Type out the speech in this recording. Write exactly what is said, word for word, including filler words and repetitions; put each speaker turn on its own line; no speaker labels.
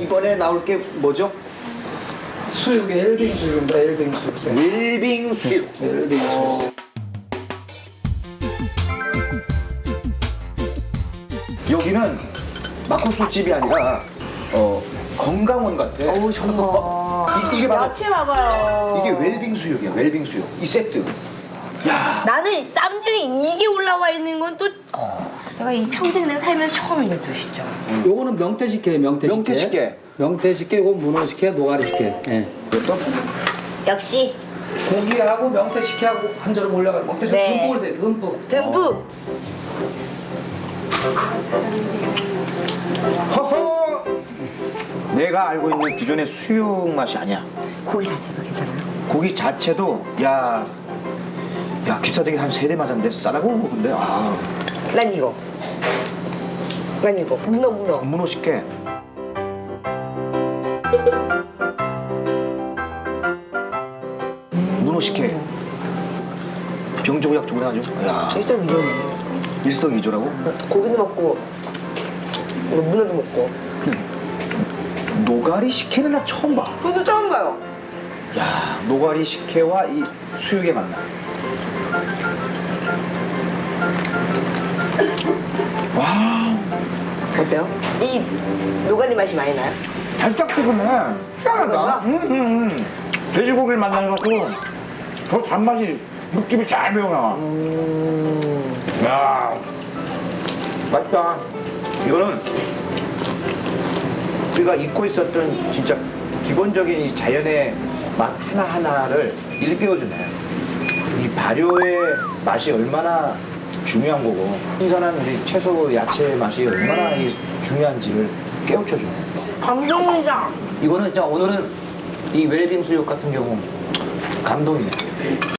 이번에 나올 게 뭐죠?
수육의 엘빙 수육입니다. 엘빙 수육.
웰빙 수육.
엘빙 수육.
여기는 막국수 집이 아니라 어, 건강원 같아.
어우 정말.
이, 이게 바로
야채 봐봐요.
이게 웰빙 수육이야. 웰빙 수육. 이 세트. 야.
나는 쌈 중에 이게 올라와 있는 건 또 내가 이 평생 내가 살면서 처음이네 또 진짜.
요거는 명태식혜예요. 명태식혜.
명태식혜.
명태식혜, 요거 문어식혜, 노가리식혜. 예.
또?
역시
고기하고 명태식혜하고 한 절음 올라가는 명태식혜
네.
듬뿍 올리세요. 듬뿍.
듬뿍.
허허. 내가 알고 있는 기존의 수육 맛이 아니야.
고기 자체도 괜찮아요.
고기 자체도 야, 야 기싸대기 한 세 대 맞았는데 싸다고 근데 아
난 이거. 난 이거. 문어 문어.
문어 식혜. 문어 식혜. 병조약적으로 아주. 야
진짜 위험해.
일석이조라고?
고기도 먹고 이거 문어도 먹고.
노가리 식혜는 나 처음 봐.
저도 처음 봐요.
야 노가리 식혜와 이 수육의 만남. 와
어때요? 이 노가리 맛이 많이 나요?
달짝지근해.
그런가?
음, 음, 음. 돼지고기를 만나가지고 더 단맛이 육즙이 잘 배어나와.
음.
야 맛있다. 이거는 우리가 잊고 있었던 진짜 기본적인 이 자연의 맛 하나하나를 일깨워주네. 이 발효의 맛이 얼마나 중요한 거고 신선한 우리 채소 야채의 맛이 얼마나 이 중요한지를 깨우쳐주네.
감동이다.
이거는 진짜 오늘은 이 웰빙 수육 같은 경우 감동이네.